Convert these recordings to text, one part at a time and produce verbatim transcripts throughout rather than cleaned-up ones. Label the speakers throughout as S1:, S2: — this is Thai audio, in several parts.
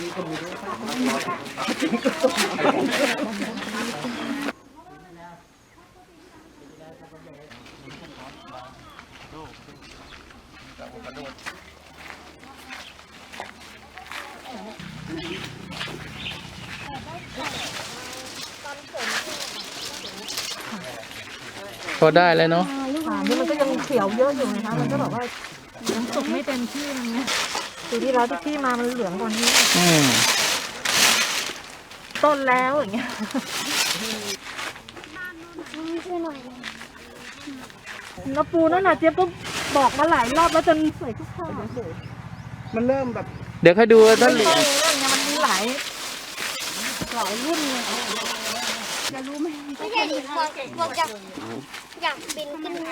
S1: พอได้เลยเนาะ
S2: นี่มันก็ยังเขียวเยอะอยู่นะคะมันก็บอกว่ายังสุกไม่เต็มที่มันเนี่ยปีที่แล้วที่มามันเหลืองกว่านี้ต้นแล้วอย่างเงี้ยกระปูนั่นน่ะเจี๊ยบก็บอกมาหลายรอบแล้วจนสวยทุกข้อ
S3: มันเริ่มแบบ
S1: เดี๋ยวค่อยดูท่านหลี
S2: มันมีหลายหลายรุ่นเลยจะรู้ไหม
S4: ไม่ใช่ดิพวกพวกอยากอยากบินขึ้น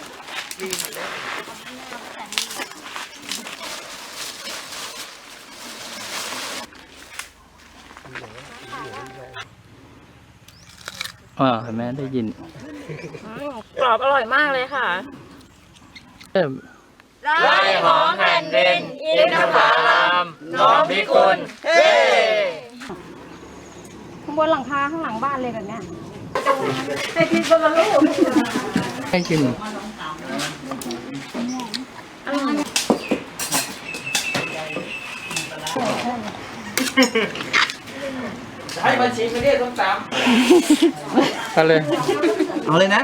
S1: อ่าเห็นไหมได้ยิน
S2: กรอบอร่อยมากเลยค่ะ
S1: เอิ่ม
S5: ไร่หอมแผ่นดินอินทผลัมน้องพิกุลเฮ้
S2: ข้างบนหลังคาข้างหลังบ้านเลยแบบเนี้ยให้กินคนละลูก
S1: ให้กิน
S5: ให้บัญชีไม่ได้ต้องตาม
S1: เอาเลย
S3: เอาเลยนะ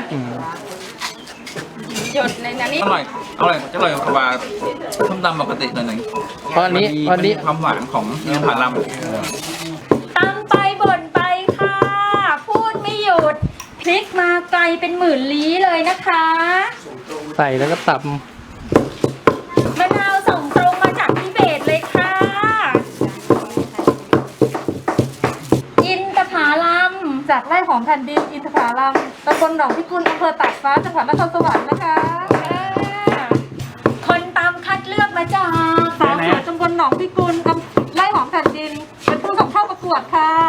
S2: หยดในนั้นนี่
S5: อร่อยอร่อยจะอร่อยกว่าส้มตำปกติหน่อยหนึ่ง
S1: ตอนนี้ตอนนี้
S5: ความหวานของอินทผลัม
S6: ตำไปบ่นไปค่ะพูดไม่หยุดพลิกมาไกลเป็นหมื่นลี้เลยนะคะ
S1: ใส่แล้วก็ตับ
S6: มะนาวส่งตรงมาจากทิเบตเลยค่ะอินทผลัมจากไร่หอมแผ่นดินอินทผลัมตำบลหนองพิกุลอำเภอตากฟ้าจังหวัดนครสวรรค์นะคะคนตำคัดเลือกมาจากสาวสวยตำบลหนองพิกุลไร่หอมแผ่นดินเป็นผู้ส่งเข้าประกวดค่ะ